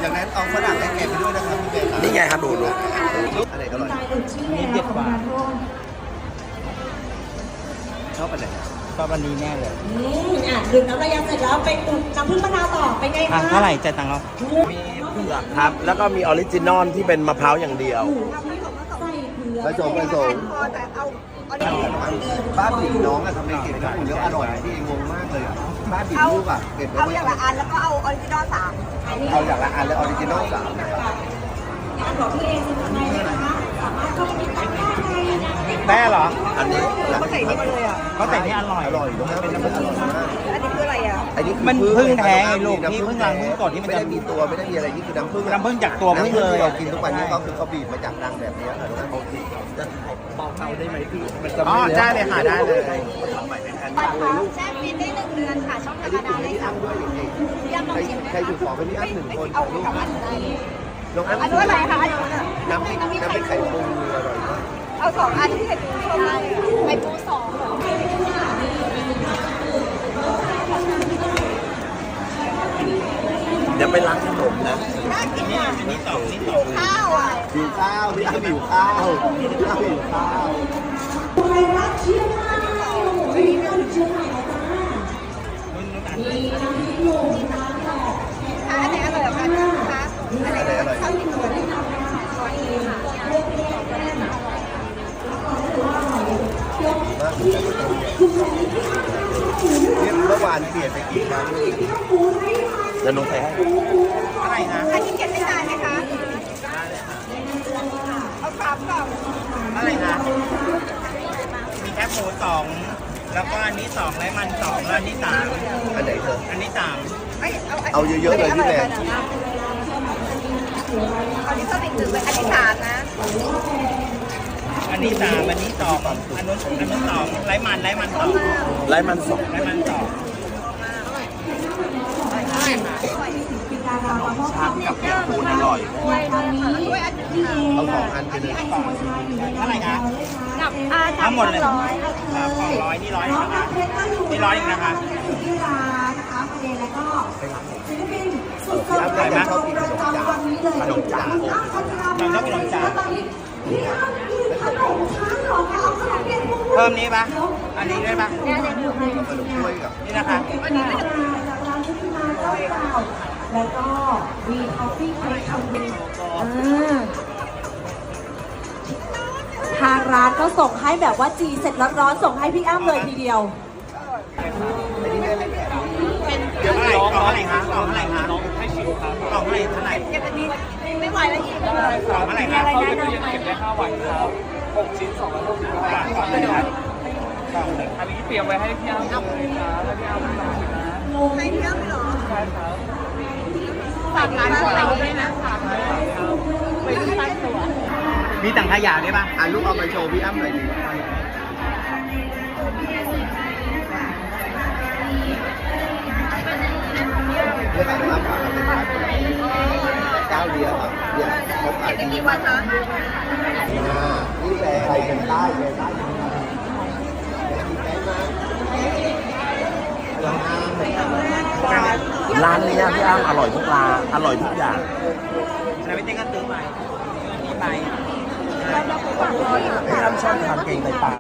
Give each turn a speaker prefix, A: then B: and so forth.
A: จากนั้นเอาฝรั่งให้แกไปด้วยนะครับพี่เบน
B: นี่ไงครับดู
A: อะไรอร่อย
C: นี่เด็ดกว่า
A: ชอบอะไร
C: ชอบอันนี้แน่เลย
D: ดื่มน้ำระยำเสร็จแล้วไปอุ่นน้ำผึ้งมะนาวต่อเป็นไงคะ
C: เท่าไหร่จ่ายตังค์เรา
B: มีเผือกครับแล้วก็มีออริจินอลที่เป็นมะพร้าวอย่างเดียว
A: ผสมบ้านผีน้องอะทำไมเก็บน้ำอุ่นแล้วอร่อยที่งงมากเลยบ้านผีลูกอะเก็บ
E: เอาอย่างละอันแล้วก็เอาออริจินอล3
A: เอาอย่างละอันแล้วออริจินอล3
D: งานของพี่เองเป็นยังไงนะคะสามารถเข้าไปติดตามได้
C: แม่เหรอ
A: อันนี้
E: เขาใส่นี่มาเลยอ่ะ
C: เขาใส่นี่อร่อย
A: เป็นน้ำผึ้งอร่อยมาก
E: อันนี้คืออะไรอ่ะ
A: อันนี้
C: มันพึ่งแท้ไงลูกที่พึ่งรังพึ่งกดที่มัน
A: ไม่
C: จะ
A: ได้มีตัวไม่ได้มีอะไรนี่คือน้ำผึ้ง
C: จากตัวพึ่งเลย
A: เรากินทุกวันนี้ก็คือเขาบีบมาจากรังแบบนี้นะโอเคจะเบาเทาได้ไหมพี่มันจะ
C: ได้เลยค่ะได้เลย
E: แช่ฟินได้1 เดือนค่ะช่องธรรมดาได้3
A: ด้วยอย่างนี้ใครอยู่ขอไปพี่อ้ำ1 คน
E: เอากลับบ้านได้
A: น้องอ้ำ
E: อันนู้นอะไรคะ
A: น้ำพริกไข่ปูอร่อยมาก
E: เอา2 อันที่ไข่ปูชอบมากเลยไข่ปู2เหรอ
B: เดี๋ยวไปล้างขนมนะ
E: น่ากินอ่ะ
C: อันนี้2นี่
E: 2ข้าวอ่ะ
A: หิวข้าวพี่อ้ำหิวข้าวหิวข้าว
D: ไปรักเชียงใหม่มีน้ำเชียงใหม่นะจ๊ะมีน้ำพริกหนุ่มน้ำแบบ
E: อันไหนอร่อยกว่ากันคะอันไหนอร่อยข้าวกินตัวได้ค่ะ
A: เมื่อวานเปลี่ยนไปกี่ครั้ง
B: จะลงใส่ให้
C: อะไรนะ
E: อันนี้เก็บได้นานไหมคะเอา3 กล่อง
C: อะไรนะมีแคบหมู2แล้วก็อันนี้2ไร้มัน2แล้วอันนี้3
A: อันไหนเธอ
C: อันนี้3
A: เอาเยอะๆเลยพี่แม่
E: อันนี้เพิ่มอีก1เลยอันนี้3นะ
C: อันนี้3อันนี้2อันนู้น2ไร้มัน2
B: ไร้มัน2
C: ไร้มัน2
B: ชามกับแกงปูนอร่อย
A: เอา2 อันไปเลย
C: เท่าไหร่คะทั้งหมดเลยครับของ100นี่100นะคะนี่100อีกนะคะ
D: ที่ร้านนะคะประเด็นแล้วก็ศิลปินสุดยอด
A: ใครชอบกินขนมจ๋า
D: ขนมจ๋าตอนนี้พี่อ้ำมีขนมค้างหรอคะเอาขนมเปี๊ยะกุ้ง
C: เพิ่มนี้ปะอันนี้ด้วยปะ
A: ขนมถ้วยกับ
C: นี่นะคะ
D: อันนี้จากร้านที่มาเจ้าเก่าแล้วก็มีคอฟฟี่เค้กทำดีทางร้านก็ส่งให้แบบว่าจีเสร็จร้อนๆส่งให้พี่อ้ำเลยทีเดียว
C: เดี๋ยวกล่องเท่าไหร่คะกล่องเท่าไหร่คะน้องให้ชิมครับกล่องเท่าไหร่
E: เก็บอันนี้ไม่ไหวแล้วอีก
C: กล่องเท่าไหร่คะเขาจะเก็บได้5 วันครับ6 ชิ้น260 บาทก่อนเลยครับกล่องหนึ่งอันนี้เตรียมไว้ให้พี่อ้ำเลยครับแล้วพี่อ้ำลองชิมนะ
E: ให้พี่อ้ำเหรอ
C: ใช่ครับ
E: ฝากร้านเราด้วยนะไปดูร้านตัว
C: มีถังขยะด้วยป่ะ
A: ลูกเอาไปโชว์พี่อ้ำหน่อยดิเรื่องอะไรครับเจ้าเดียวครับเนี่ยเขาขายดี
E: กี่วันคะ
A: นี่แหละใครเป็นใต้เลยใต้
B: ร้านนี้พี่อ้ำอร่อยทุกร้านอร่อยทุกอย่าง
C: แล้วพี่เต้ก็ซื้อไปนี่ไป
B: พี่อ้ำชอบทานเก่งในปาก